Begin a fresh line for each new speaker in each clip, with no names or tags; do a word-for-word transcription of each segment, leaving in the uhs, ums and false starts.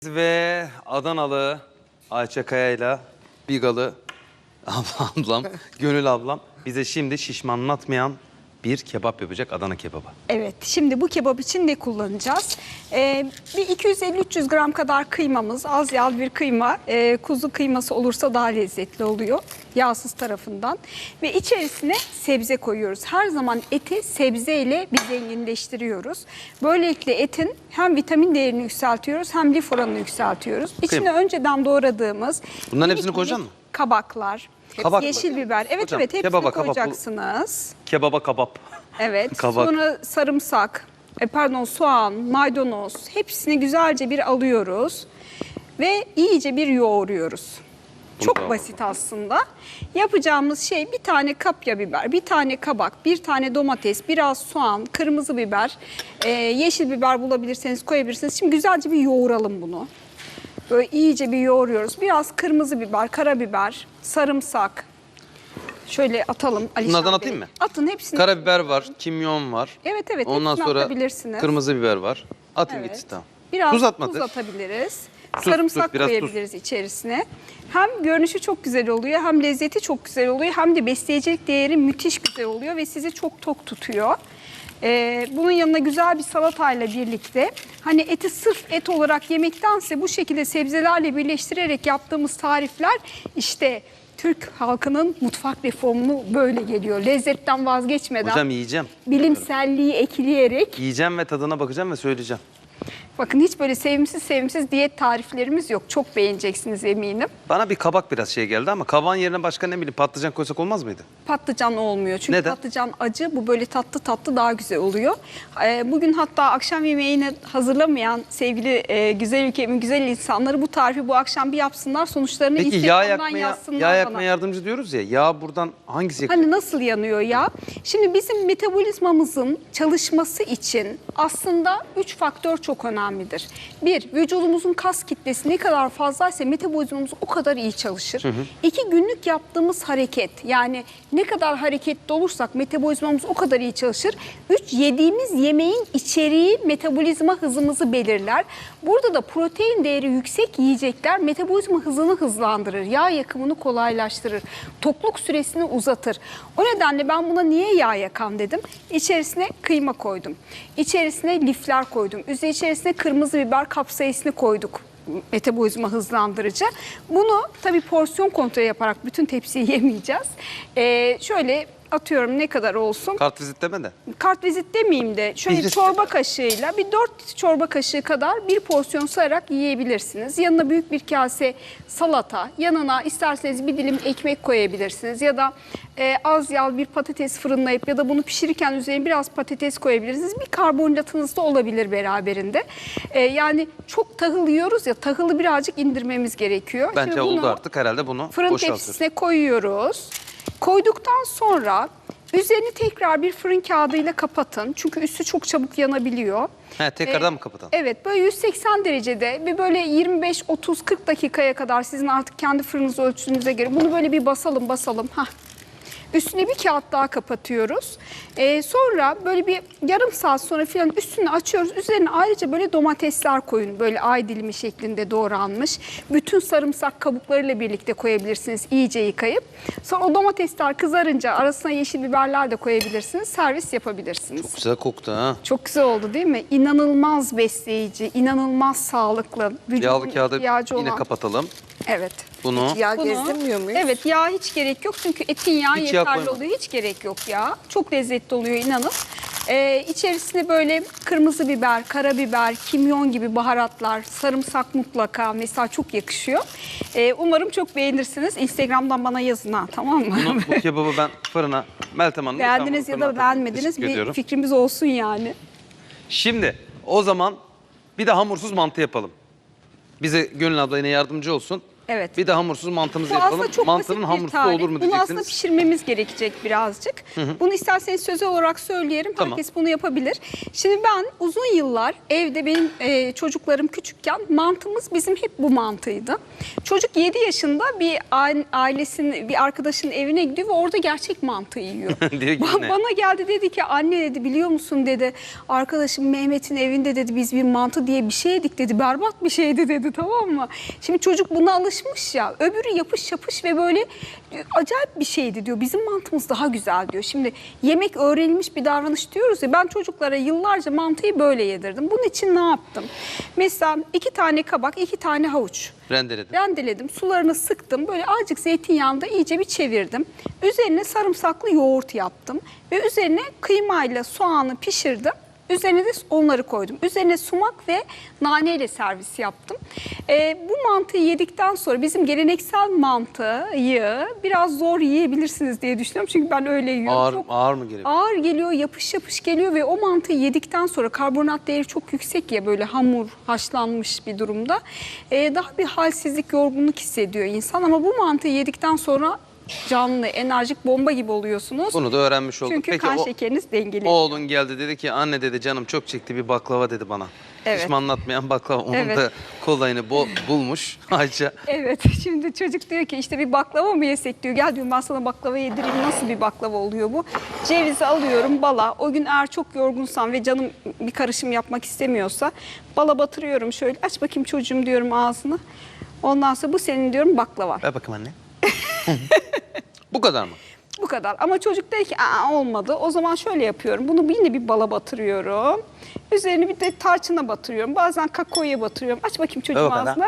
Ve Adanalı Ayça Kaya'yla Bigalı ablam, Gönül ablam bize şimdi şişmanlatmayan bir kebap yapacak, Adana kebabı.
Evet, şimdi bu kebap için ne kullanacağız? Ee, bir iki yüz elli üç yüz gram kadar kıymamız, az yağlı bir kıyma, e, kuzu kıyması olursa daha lezzetli oluyor, yağsız tarafından. Ve içerisine sebze koyuyoruz. Her zaman eti sebzeyle bir zenginleştiriyoruz. Böylelikle etin hem vitamin değerini yükseltiyoruz hem lif oranını yükseltiyoruz. İçine
Kıyma.
önceden doğradığımız...
Bunların
minik
hepsini koyacaksın
minik
mı?
Kabaklar,
Kabak
yeşil
mı?
biber. Evet
Hocam,
evet hepsini
kebaba, kabak, bu-
koyacaksınız.
Kebaba kabap.
Evet.
Kabak.
Sonra sarımsak, e, pardon soğan, maydanoz hepsini güzelce bir alıyoruz ve iyice bir yoğuruyoruz. Çok
Bravo.
basit aslında. Yapacağımız şey bir tane kapya biber, bir tane kabak, bir tane domates, biraz soğan, kırmızı biber, e, yeşil biber bulabilirseniz koyabilirsiniz. Şimdi güzelce bir yoğuralım bunu. Böyle iyice bir yoğuruyoruz. Biraz kırmızı biber, karabiber, sarımsak. Şöyle atalım. Alişan
Bunlardan
Bey.
atayım mı?
Atın hepsini.
Karabiber var, kimyon var.
Evet evet.
Ondan
hepsini
sonra
atabilirsiniz.
kırmızı biber var. Atayım
Evet.
gitsin tamam.
Biraz
Tuz
tuz,
atmadık.
atabiliriz.
Tuz,
Sarımsak
tuz, biraz
koyabiliriz içerisine. Hem görünüşü çok güzel oluyor, hem lezzeti çok güzel oluyor, hem de besleyecek değeri müthiş güzel oluyor ve sizi çok tok tutuyor. Ee, bunun yanına güzel bir salatayla birlikte, hani eti sırf et olarak yemektense bu şekilde sebzelerle birleştirerek yaptığımız tarifler işte Türk halkının mutfak reformunu böyle geliyor. Lezzetten vazgeçmeden,
Hocam yiyeceğim.
bilimselliği ekleyerek.
Yiyeceğim ve tadına bakacağım ve söyleyeceğim.
Bakın hiç böyle sevimsiz sevimsiz diyet tariflerimiz yok. Çok beğeneceksiniz eminim.
Bana bir kabak biraz şey geldi ama kabağın yerine başka ne bileyim patlıcan koysak olmaz mıydı?
Patlıcan olmuyor. Çünkü
Neden?
patlıcan acı, bu böyle tatlı tatlı daha güzel oluyor. Ee, bugün hatta akşam yemeğini hazırlamayan sevgili e, güzel ülkemin güzel insanları bu tarifi bu akşam bir yapsınlar. Sonuçlarını
Peki yağ
Instagram'dan
yakmaya,
yazsınlar
yağ
bana.
yakmaya yardımcı diyoruz ya. Yağ buradan hangisi yakıyor?
Hani nasıl yanıyor ya? Şimdi bizim metabolizmamızın çalışması için aslında üç faktör çok önemlidir. Bir, vücudumuzun kas kitlesi ne kadar fazlaysa metabolizmamız o kadar iyi çalışır. Hı hı. İki, günlük yaptığımız hareket. Yani ne kadar hareketli olursak metabolizmamız o kadar iyi çalışır. Üç, yediğimiz yemeğin içeriği metabolizma hızımızı belirler. Burada da protein değeri yüksek yiyecekler metabolizma hızını hızlandırır. Yağ yakımını kolaylaştırır. Tokluk süresini uzatır. O nedenle ben buna niye yağ yakan dedim. İçerisine kıyma koydum. İçerisine lifler koydum. Üzeri içerisine kırmızı biber kapsaisini koyduk. Metabolizma hızlandırıcı. Bunu tabii porsiyon kontrolü yaparak bütün tepsiyi yemeyeceğiz. Ee, şöyle atıyorum, ne kadar olsun?
Kartvizit deme de.
Kartvizit demeyeyim de şöyle
Birisi.
çorba kaşığıyla bir dört çorba kaşığı kadar bir porsiyon sayarak yiyebilirsiniz. Yanına büyük bir kase salata, yanına isterseniz bir dilim ekmek koyabilirsiniz ya da e, az yağlı bir patates fırınlayıp ya da bunu pişirirken üzerine biraz patates koyabilirsiniz. Bir karbonhidratınız da olabilir beraberinde. E, yani çok tahıl yiyoruz ya, tahılı birazcık indirmemiz gerekiyor.
Bence
Şimdi
oldu
bunu
artık herhalde bunu
fırın
boşaltıyoruz.
tepsisine koyuyoruz. Koyduktan sonra üzerini tekrar bir fırın kağıdıyla kapatın. Çünkü üstü çok çabuk yanabiliyor.
He, tekrardan
Ee,
mı kapatalım?
Evet, böyle yüz seksen derecede bir böyle yirmi beş otuz kırk dakikaya kadar sizin artık kendi fırınınız ölçünüze göre bunu böyle bir basalım basalım. Hah. Üstüne bir kağıt daha kapatıyoruz. Ee, sonra böyle bir yarım saat sonra falan üstünü açıyoruz. Üzerine ayrıca böyle domatesler koyun. Böyle ay dilimi şeklinde doğranmış. Bütün sarımsak kabuklarıyla birlikte koyabilirsiniz iyice yıkayıp. Sonra o domatesler kızarınca arasına yeşil biberler de koyabilirsiniz. Servis yapabilirsiniz.
Güzel koktu ha.
Çok güzel oldu değil mi? İnanılmaz besleyici, inanılmaz sağlıklı. Vücudun
Yağlı kağıdı
ihtiyacı
yine
olan.
kapatalım.
Evet.
Bunu
Yağ
Bunu-
gezdirmiyor muyuz?
Evet, yağ hiç gerek yok çünkü etin yağı
Hiç yağ
yeterli
koyma.
oluyor. Hiç gerek yok ya. Çok lezzetli oluyor, inanın. Ee, içerisine böyle kırmızı biber, karabiber, kimyon gibi baharatlar, sarımsak mutlaka mesela çok yakışıyor. Ee, umarım çok beğenirsiniz. Instagram'dan bana yazın ha, tamam mı?
Bunu, bu kebabı ben fırına, Meltem Hanım.
Beğendiniz ya da beğenmediniz, bir fikrimiz olsun yani.
Şimdi o zaman bir de hamursuz mantı yapalım. Bize Gönül abla yine yardımcı olsun.
Evet.
Bir de hamursuz mantımızı
Bu
yapalım.
aslında çok
Mantının
basit bir
hamursu
tarif.
olur mu
Bunu aslında
diyeceksiniz.
pişirmemiz gerekecek birazcık. Hı hı. Bunu isterseniz sözel olarak söyleyelim.
Tamam.
Herkes bunu yapabilir. Şimdi ben uzun yıllar evde benim e, çocuklarım küçükken mantımız bizim hep bu mantıydı. Çocuk yedi yaşında bir ailesinin, bir arkadaşının evine gidiyor ve orada gerçek mantı yiyor.
Diyor ki
Ba-
ne?
Bana geldi dedi ki anne dedi biliyor musun dedi arkadaşım Mehmet'in evinde dedi biz bir mantı diye bir şey yedik dedi. Berbat bir şeydi dedi, tamam mı? Şimdi çocuk buna alışmış ya. Öbürü yapış yapış ve böyle acayip bir şeydi diyor. Bizim mantımız daha güzel diyor. Şimdi yemek öğrenilmiş bir davranış diyoruz ya. Ben çocuklara yıllarca mantıyı böyle yedirdim. Bunun için ne yaptım? Mesela iki tane kabak, iki tane havuç.
Rendeledim.
Rendeledim. Sularını sıktım. Böyle azıcık zeytinyağında iyice bir çevirdim. Üzerine sarımsaklı yoğurt yaptım. Ve üzerine kıymayla soğanı pişirdim. Üzerine de onları koydum. Üzerine sumak ve naneyle servis yaptım. Ee, bu mantıyı yedikten sonra bizim geleneksel mantıyı biraz zor yiyebilirsiniz diye düşünüyorum. Çünkü ben öyle yiyorum.
Ağır,
Çok
ağır mı geliyor?
ağır geliyor, yapış yapış geliyor ve o mantıyı yedikten sonra karbonat değeri çok yüksek ya, böyle hamur, haşlanmış bir durumda. Ee, daha bir halsizlik, yorgunluk hissediyor insan ama bu mantıyı yedikten sonra canlı, enerjik bomba gibi oluyorsunuz.
Bunu da öğrenmiş olduk.
Çünkü
Peki
kan
o,
şekeriniz dengeli.
oğlun geldi dedi ki anne dedi canım çok çekti bir baklava dedi bana.
Evet.
Hiç anlatmayan baklava. Onun
Evet.
da kolayını bol, bulmuş Ayça.
Evet, şimdi çocuk diyor ki işte bir baklava mı yesek diyor. Gel diyorum ben sana baklava yedireyim. Nasıl bir baklava oluyor bu? Cevizi alıyorum, bala. O gün eğer çok yorgunsam ve canım bir karışım yapmak istemiyorsa bala batırıyorum şöyle. Aç bakayım çocuğum diyorum ağzını. Ondan sonra bu senin diyorum baklava.
Ver bakayım anne. Bu kadar mı?
Bu kadar. Ama çocuk der ki aa olmadı. O zaman şöyle yapıyorum. Bunu yine bir bala batırıyorum. Üzerine bir de tarçına batırıyorum. Bazen kakaoya batırıyorum. Aç bakayım çocuğum
bakalım.
ağzına.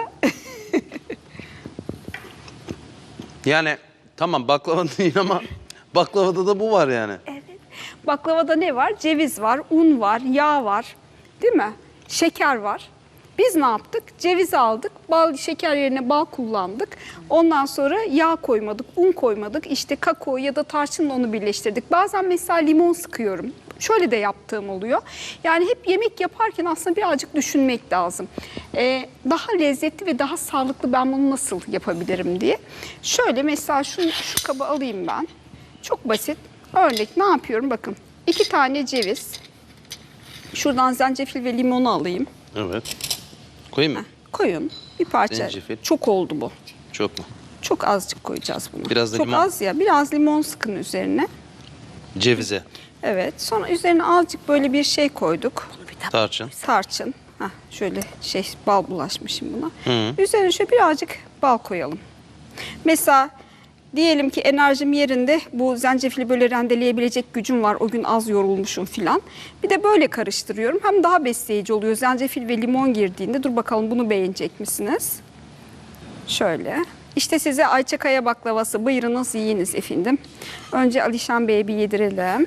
Yani tamam baklava değil ama baklavada da bu var yani.
Evet. Baklavada ne var? Ceviz var, un var, yağ var. Değil mi? Şeker var. Biz ne yaptık? Ceviz aldık, bal, şeker yerine bal kullandık. Ondan sonra yağ koymadık, un koymadık. İşte kakao ya da tarçınla onu birleştirdik. Bazen mesela limon sıkıyorum. Şöyle de yaptığım oluyor. Yani hep yemek yaparken aslında birazcık düşünmek lazım. Ee, daha lezzetli ve daha sağlıklı ben bunu nasıl yapabilirim diye. Şöyle mesela şu, şu kabı alayım ben. Çok basit. Örnek ne yapıyorum? Bakın iki tane ceviz. Şuradan zencefil ve limonu alayım.
Evet. Koyayım mı?
Koyun bir parça.
Zencefil.
Çok oldu bu.
Çok mu?
Çok azıcık koyacağız bunu.
Biraz da
Çok
limon.
az ya. Biraz limon sıkın üzerine.
Cevize,
Evet. Sonra üzerine azıcık böyle bir şey koyduk.
tarçın.
Tarçın. Hah, şöyle şey bal bulaşmışım buna.
Hı.
Üzerine şöyle birazcık bal koyalım. Mesela diyelim ki enerjim yerinde, bu zencefili böyle rendeleyebilecek gücüm var. O gün az yorulmuşum filan. Bir de böyle karıştırıyorum. Hem daha besleyici oluyor. Zencefil ve limon girdiğinde. Dur bakalım bunu beğenecek misiniz? Şöyle. İşte size Ayça Kaya baklavası. Buyurunuz yiyiniz efendim. Önce Alişan Bey'e bir yedirelim.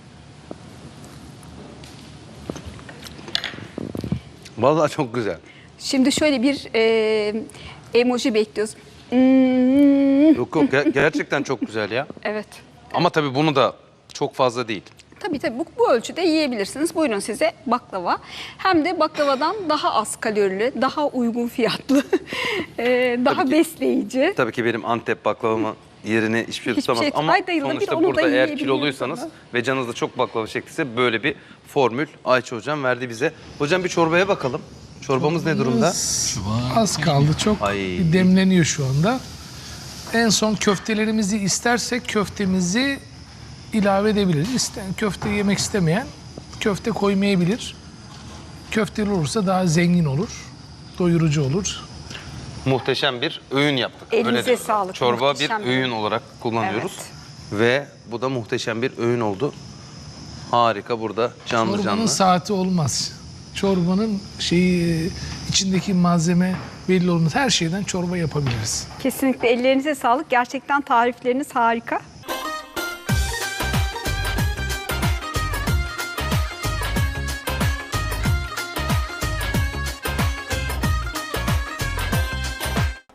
Vallahi çok güzel.
Şimdi şöyle bir e, emoji bekliyoruz. Hmm.
Yok yok ger- gerçekten çok güzel ya.
Evet.
Ama tabii bunu da çok fazla değil.
Tabii tabii bu, bu ölçüde yiyebilirsiniz. Buyurun size baklava. Hem de baklavadan daha az kalorili, daha uygun fiyatlı, e, daha
Tabii ki.
besleyici.
Tabii ki benim Antep baklavamın yerini hiçbir şey
Hiçbir
tutamaz.
şey
Ama
Ay dayılabilir,
sonuçta
onu da
burada eğer
yiyebiliyoruz
kiloluysanız
ama.
ve canınızda çok baklava çektiyse böyle bir formül Ayça hocam verdi bize. Hocam bir çorbaya bakalım. Çorbamız ne durumda?
Az kaldı, çok
Ay.
demleniyor şu anda. En son köftelerimizi istersek köftemizi ilave edebiliriz. İsteyen köfte yemek istemeyen köfte koymayabilir. Köfteli olursa daha zengin olur, doyurucu olur.
Muhteşem bir öğün yaptık.
Elinize
diyoruz.
sağlık,
Çorba
muhteşem
bir
bir
öğün
öğün.
olarak kullanıyoruz.
Evet.
Ve bu da muhteşem bir öğün oldu. Harika burada canlı
Çorbanın
canlı.
saati olmaz. Çorbanın şeyi, içindeki malzeme belli olmaz. Her şeyden çorba yapabiliriz.
Kesinlikle ellerinize sağlık. Gerçekten tarifleriniz harika.